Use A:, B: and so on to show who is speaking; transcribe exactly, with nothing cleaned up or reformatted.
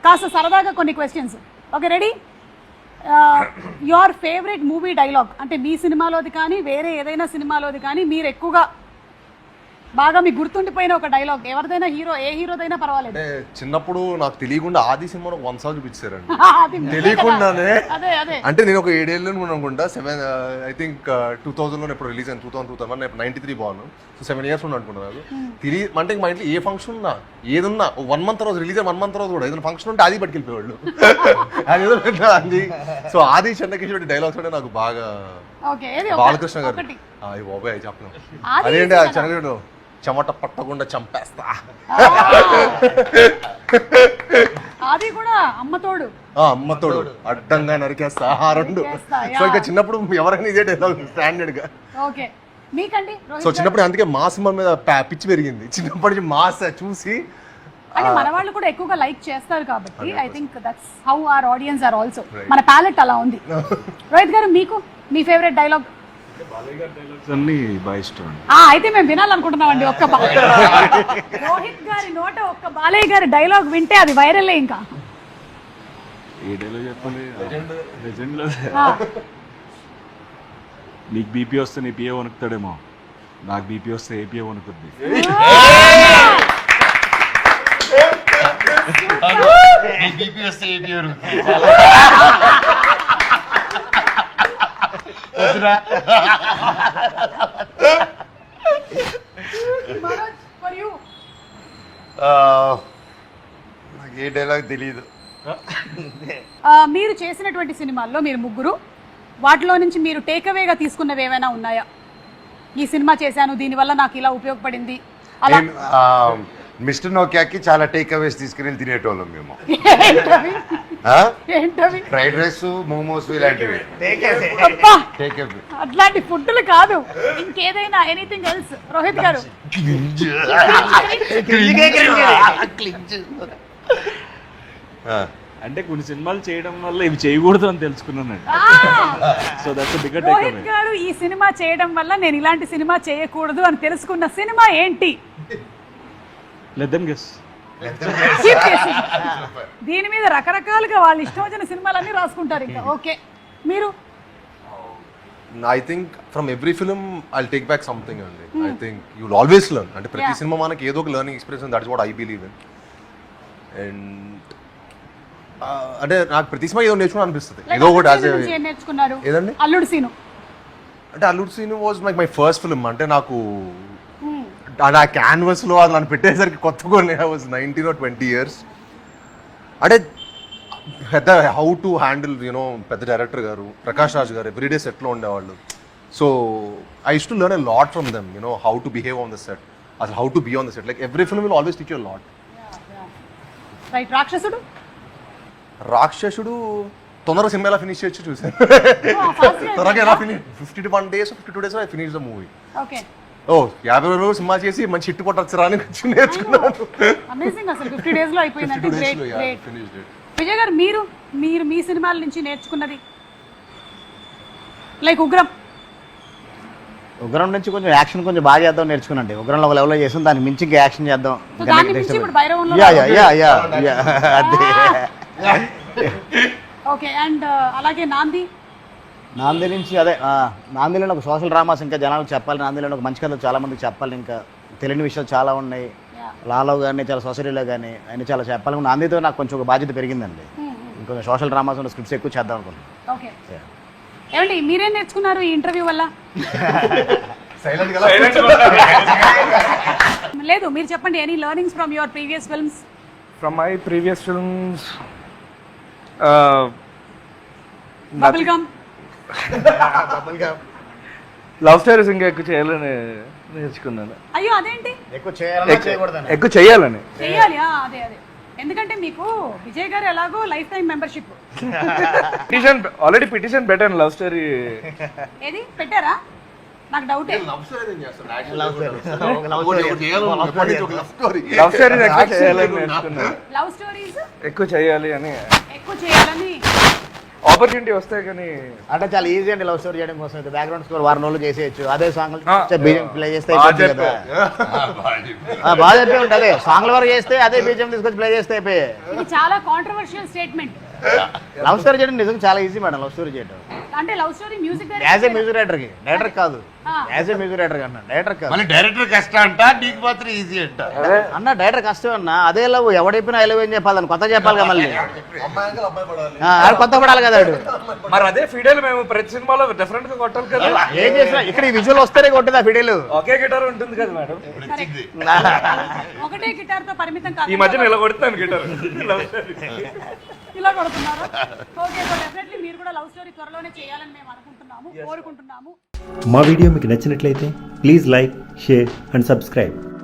A: కాస్త సరదాగా కొన్ని questions. Okay, ready? Your favourite movie dialogue అంటే మీ సినిమాలోది కానీ వేరే ఏదైనా సినిమాలోది కానీ మీరు ఎక్కువగా బాగా మీకు గుర్తుండిపోయిన ఒక డైలాగ్ ఎవరిదైనా, హీరో ఏ హీరోదైనా పర్వాలేదు.
B: అంటే చిన్నప్పుడు నాకు తెలియకుండా ఆది సినిమాలో వన్ సాంగ్ చూపించారండి
A: అది
B: తెలియకుండానే.
A: అదే అదే
B: అంటే నేను ఒక ఏడేళ్ళు అనుకుంటా, seven I think two thousand లో ఎప్పుడు రిలీజ్ అయింది, టూ థౌసండ్ టూ థౌసండ్ నేను నైన్టీ త్రీ బాను, సో సెవెన్ ఇయర్స్ ఉండి అనుకుంటున్నాను. తెలియ అంటే మా ఇంట్లో ఏ ఫంక్షన్ ఉన్నా ఏదున్నా వన్ మంత్ రోజు రిలీజ్ అయిన వన్ మంత్ రోజు కూడా ఏదైనా ఫంక్షన్ ఉంటే అది పట్టుకెళ్ళిపోయేవాళ్ళు. అదేదో అది. సో ఆది చెన్నకేశ్వరి డైలాగ్స్ అంటే నాకు బాగా, బాలకృష్ణ గారు బాబాయ్ చెప్పను అదేంటి ఆ చెన్నకేశ్వరుడు చెమట పట్టకుండా చంపేస్తా,
A: అది కూడా అమ్మతోడు
B: అమ్మతోడు అడ్డంగా నరికేస్తా, ఆ రెండు. సో ఇంకా చిన్నప్పుడు ఎవరైనా ఇదే డైలాగ్ స్టాండర్డ్ గా.
A: ఓకే, మీకండి?
B: సో చిన్నప్పుడు అందుకే మా సినిమా మీద పిచ్చి పెరిగింది చిన్నప్పటి నుంచి, మాస్ చూసి.
A: అంటే మన వాళ్ళు కూడా ఎక్కువగా లైక్ చేస్తారు కాబట్టి I think that's how our audience are also. మన ప్యాలెట్ అలా ఉంది. రోహిత్ గారు, మీకు మీ ఫేవరెట్ డైలాగ్? అయితే మేము వినాలనుకుంటున్నామండి ఒక్క రోహిత్ గారి నోట ఒక్క బాలయ్య గారి డైలాగ్ వింటే అది వైరల్. ఇంకా
C: నీకు బీపీ వస్తే నీ పిఏ వణుకుతాడేమో, నాకు బీపీ వస్తే ఏపీఏ వణుకుద్ది.
D: నాకు ఏ డైలాగ్ తెలియదు.
A: మీరు చేసినటువంటి సినిమాల్లో మీరు ముగ్గురు, వాటిలో నుంచి మీరు టేక్అవేగా తీసుకున్నవి ఏమైనా ఉన్నాయా? ఈ సినిమా చేశాను దీనివల్ల నాకు ఇలా ఉపయోగపడింది అలా.
D: మిస్టర్ నోకియాకి చాలా టేక్ అవేస్ తీసుకుని తినేటోళ్ళం మేము. ఫ్రైడ్ రైస్, మోమోస్ ఇలాంటివి.
A: అట్లాంటి ఫుడ్లు కాదు, ఇంకేదైనా ఎనీథింగ్ ఎల్స్. రోహిత్ గారు?
C: అంటే కొన్ని సినిమాలు చేయడం వల్ల ఇవి చేయకూడదు అని తెలుసుకున్నానండి. So that's bigger takeaway.
A: Rohit garu ఈ సినిమా చేయడం వల్ల నేను ఇలాంటి సినిమా చేయకూడదు అని తెలుసుకున్న సినిమా ఏంటి?
C: Let them guess.
A: దీని మీద రకరకాలుగా వాళ్ళు ఇష్టం వచ్చిన సినిమాలన్నీ రాసుకుంటారు ఇంకా. ఓకే, మీరు?
B: I think from every film I take back something అండి. I think you will always learn. అంటే ప్రతి సినిమా మనకి ఏదో ఒక learning experience, that is what I believe in. And అంటే నాకు ప్రతి సినిమా ఏదో నేర్చుకుని అనిపిస్తుంది. ఏదో ఒకటి
A: నేర్చుకున్నారు.
B: ఏదండి?
A: అల్లుడు సీను.
B: అంటే Alludu Seenu was like my first film. అంటే నాకు నా క్యాన్వస్లో అది నన్ను పెట్టేసరికి కొత్తగా I was nineteen or twenty years. అంటే పెద్ద హౌ టు హ్యాండిల్ యూనో పెద్ద డైరెక్టర్ గారు ప్రకాష్ రాజ్ గారు ఎవ్రీడే సెట్లో ఉండేవాళ్ళు. So I use to learn a lot from them, you know how to behave on the set, అసలు how to be on the set. Like every film will always teach you lot.
A: Right. Rakshasudu?
B: Rakshasudu తొందరగా cinema ఎలా finish చేయొచ్చు చూసాను. త్వరగా ఎలా finish, fifty to one days fifty two days I finish the movie.
A: Okay.
B: ఓ యాభై రోజులు సినిమా చేసి మంచి హిట్ కొట్టచ్చు రాని నేర్చుకున్నాను.
A: అమేజింగ్, అసలు ఫిఫ్టీ డేస్ లో అయిపోయిందంటే గ్రేట్ గ్రేట్. విజయ్ గారు, మీరు మీరు మీ సినిమాల నుంచి నేర్చుకున్నది? లైక్ ఉగ్రం.
E: ఉగ్రం నుంచి కొంచెం యాక్షన్ కొంచెం బాగా చేద్దాం నేర్చుకున్నాండి. ఉగ్రంలో ఒక లెవెల్లో చేసాం, దానికి మించి ఇంకా యాక్షన్ చేద్దాం.
A: ఓకే. అండ్ అలాగే నాంది?
E: నాంది నుంచి అదే నాందిలో ఒక సోషల్ డ్రామాస్ ఇంకా జనాలకు చెప్పాలి, నాందిలో ఒక మంచి కథలు చాలా మందికి చెప్పాలి, ఇంకా తెలియని విషయాలు చాలా ఉన్నాయి. లాలో కానీ చాలా సొసైటీలో కానీ ఆయన చాలా చెప్పాలి. నాందితో నాకు కొంచెం ఒక బాధ్యత పెరిగిందండి. ఇంకొంచెం సోషల్ డ్రామాస్ ఉన్న స్క్రిప్ట్స్ ఎక్కువ చేద్దాం అనుకున్నాను.
A: ఓకే. ఏమండి మీరేం నేర్చుకున్నారు ఈ ఇంటర్వ్యూ వల్ల? లేదు, మీరు చెప్పండి. Any learnings from your previous films?
F: From my previous films
A: bubble gum.
F: Love stories ఇంకా ఎక్కువ చేయాలని నేర్చుకున్నాను.
A: అయ్యో అదేంటి?
E: ఎక్కువ చేయాలని
F: ఎక్కువ చేయాలని
A: చేయాలి. అదే అదే ఎందుకంటే మీకు విజయ్ గారు ఎలాగో life time membership.
F: Petition already petition పెట్టాను లవ్ స్టోరీ.
A: ఏది పెట్టారా? నాకు డౌట్.
F: లవ్ స్టోరీస్ ఎక్కువ చేయాలని నేర్చుకున్నాను.
A: లవ్ స్టోరీస్
F: ఎక్కువ చేయాలి అని
A: ఎక్కువ చేయాలని
F: ఆపర్చునిటీ వస్తాయి కానీ
E: అంటే చాలా ఈజీ అండి లవ్ స్టోరీ చేయడం కోసం బ్యాక్గ్రౌండ్ స్కోర్ వారం రోజులు చేసేయచ్చు అదే సాంగ్
F: ఆ.
E: బీజం ప్లే చేస్తే
F: బాగా
E: అయిపోతుంది కదా. ఆ, బాగా చెప్పే ఉంటుంది అదే సాంగ్ల వరకు చేస్తే అదే బీజం తీసుకొచ్చి ప్లే చేస్తే అయిపోయి
A: ఇది చాలా కాంట్రవర్షియల్ స్టేట్మెంట్.
E: లవ్ స్టోరీ చేయడం నిజంగా చాలా ఈజీ మేడం లవ్ స్టోరీ చేయడం
A: అంటే love story music
E: as a music writer కి డైరెక్టర్ కాదు
A: ఆ.
E: యాజ్ ఏ మ్యూజిక్ రైటర్ అన్న డైరెక్టర్ కాదు
D: మళ్ళీ డైరెక్టర్ కష్టం అంట నీకు మాత్రం ఈజీ అంట
E: అన్న డైరెక్టర్ కష్టం అన్న అదే లవ్ ఎవడైపోయినా ఐ లవ్ ఏం చెప్పాలి దాన్ని కొత్త చెప్పాలి కదా మళ్ళీ
B: అమ్మాయి అంకల్ అబ్బాయి పడాలి.
E: ఆ, ఆడు కొత్త పడాలి కదా ఆడు
F: మరి అదే ఫిడేల్ మేము ప్రతి సినిమాలో డిఫరెంట్ గా కొట్టాలి కదా.
E: ఏం చేసినా ఇక్కడ ఈ విజువల్ వస్తేనే కొట్టింది ఆ ఫిడేలు
F: ఒకే గిటార్ ఉంటుంది కదా మేడం.
A: ఒకటే గిటార్ తో పరిమితం
F: ఈ
A: కాదు
F: మధ్యన ఇలా కొడుతాను గిటార్.
A: ఇలా కొడుతున్నారు. ఓకే సో డెఫినెట్లీ మీరు కూడా లవ్ స్టోరీ త్వరలోనే చేయాలని మేము అనుకుంటున్నాము కోరుకుంటున్నాము.
G: మా వీడియో మీకు నచ్చినట్లయితే please like share and subscribe.